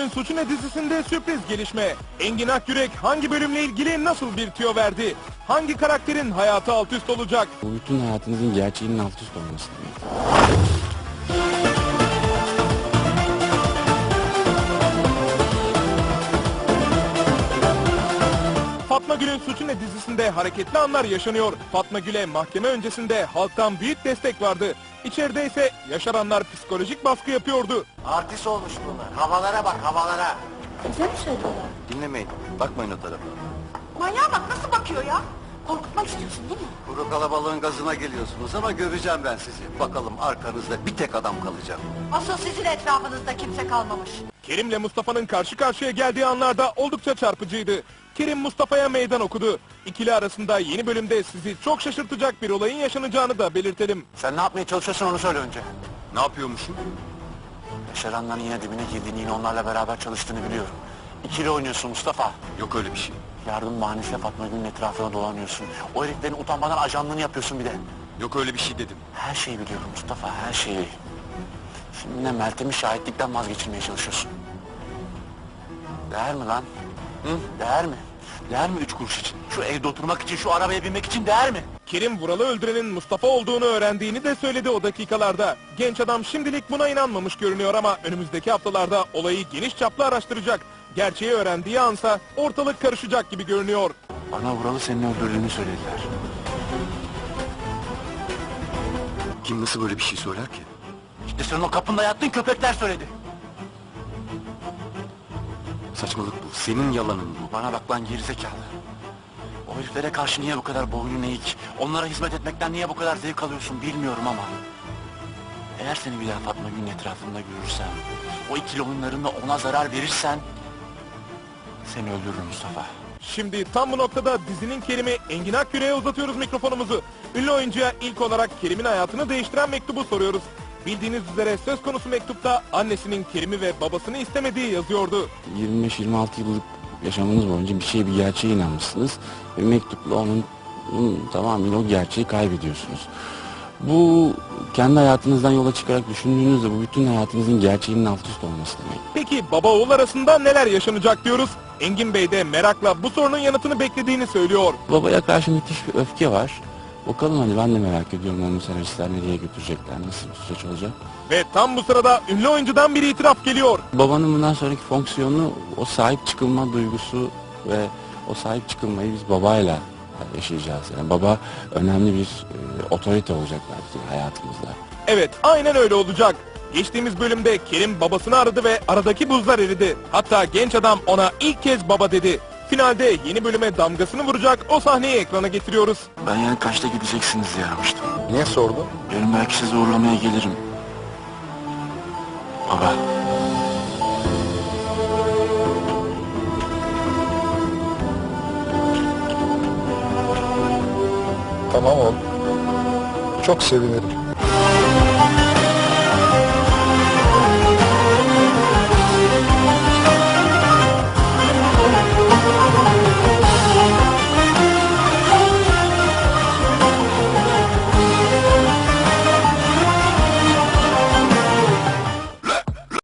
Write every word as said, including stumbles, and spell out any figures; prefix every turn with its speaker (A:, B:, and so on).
A: Gül'ün Suçu Ne dizisinde sürpriz gelişme. Engin Akyürek hangi bölümle ilgili nasıl bir tüyo verdi? Hangi karakterin hayatı alt üst olacak?
B: Bu bütün hayatınızın gerçeğinin alt üst olması demek.
A: Fatma Gül'ün Suçu Ne dizisinde hareketli anlar yaşanıyor. Fatma Gül'e mahkeme öncesinde halktan büyük destek vardı. İçeride ise yaşaranlar psikolojik baskı yapıyordu.
C: Artist olmuş bunlar. Havalara bak, havalara.
D: Güzel mi söylüyorlar?
C: Dinlemeyin, bakmayın o tarafa.
D: Manyağa bak nasıl bakıyor ya? Korkutmak istiyorsun değil mi?
C: Kuru kalabalığın gazına geliyorsunuz ama göreceğim ben sizi. Bakalım arkanızda bir tek adam kalacak.
D: Asıl sizin etrafınızda kimse kalmamış.
A: Kerim'le Mustafa'nın karşı karşıya geldiği anlarda oldukça çarpıcıydı. Kerim Mustafa'ya meydan okudu. İkili arasında yeni bölümde sizi çok şaşırtacak bir olayın yaşanacağını da belirtelim.
C: Sen ne yapmaya çalışıyorsun onu söyle önce.
E: Ne yapıyormuşum?
C: Yaşaranların yine dibine girdiğini, yine onlarla beraber çalıştığını biliyorum. İkili oynuyorsun Mustafa.
E: Yok öyle bir şey.
C: Yardım bahanesiyle Fatma Gül'ün etrafına dolanıyorsun. O heriflerin utanmadan ajanlığını yapıyorsun bir de.
E: Yok öyle bir şey dedim.
C: Her şeyi biliyorum Mustafa, her şeyi. Şimdi ne Meltem'i şahitlikten vazgeçirmeye çalışıyorsun. Değer mi lan? Hı? Değer mi? Değer mi üç kuruş için? Şu evde oturmak için, şu arabaya binmek için değer mi?
A: Kerim Vural'ı öldürenin Mustafa olduğunu öğrendiğini de söyledi o dakikalarda. Genç adam şimdilik buna inanmamış görünüyor ama önümüzdeki haftalarda olayı geniş çaplı araştıracak. Gerçeği öğrendiği ansa ortalık karışacak gibi görünüyor.
C: Bana Vural'ı senin öldürdüğünü söylediler.
E: Kim nasıl böyle bir şey söyler ki?
C: İşte sen o kapında yattığın köpekler söyledi.
E: Saçmalık bu. Senin yalanın bu.
C: Bana bak lan gerizekalı. O heriflere karşı niye bu kadar boynun eğik? Onlara hizmet etmekten niye bu kadar zevk alıyorsun bilmiyorum ama... Eğer seni bir daha Fatma Gül'ün etrafında görürsem... O ikili oyunlarında ona zarar verirsen... Seni öldürürüm Mustafa.
A: Şimdi tam bu noktada dizinin Kerim'i Engin Akyürek'e uzatıyoruz mikrofonumuzu. Ünlü oyuncuya ilk olarak Kerim'in hayatını değiştiren mektubu soruyoruz. Bildiğiniz üzere söz konusu mektupta annesinin Kerim'i ve babasını istemediği yazıyordu.
B: yirmi beş yirmi altı yıllık yaşamınız boyunca bir şeye, bir gerçeğe inanmışsınız. Ve mektupla onun, onun tamamıyla o gerçeği kaybediyorsunuz. Bu kendi hayatınızdan yola çıkarak düşündüğünüzde bu bütün hayatınızın gerçeğinin alt üst olması demek.
A: Peki baba oğul arasında neler yaşanacak diyoruz. Engin Bey de merakla bu sorunun yanıtını beklediğini söylüyor.
B: Babaya karşı müthiş bir öfke var. Bakalım hani ben de merak ediyorum onu senaristler nereye götürecekler, nasıl bir süreç olacak.
A: Ve tam bu sırada ünlü oyuncudan bir itiraf geliyor.
B: Babanın bundan sonraki fonksiyonu o sahip çıkılma duygusu ve o sahip çıkılmayı biz babayla yaşayacağız. Yani baba önemli bir e, otorite olacak belki hayatımızda.
A: Evet, aynen öyle olacak. Geçtiğimiz bölümde Kerim babasını aradı ve aradaki buzlar eridi. Hatta genç adam ona ilk kez baba dedi. Finalde yeni bölüme damgasını vuracak o sahneyi ekrana getiriyoruz.
C: Ben yani kaçta gideceksiniz diye aramıştım.
E: Niye sordun?
C: Yarın belki sizi uğurlamaya gelirim. Baba.
F: Tamam oğlum. Çok sevinirim.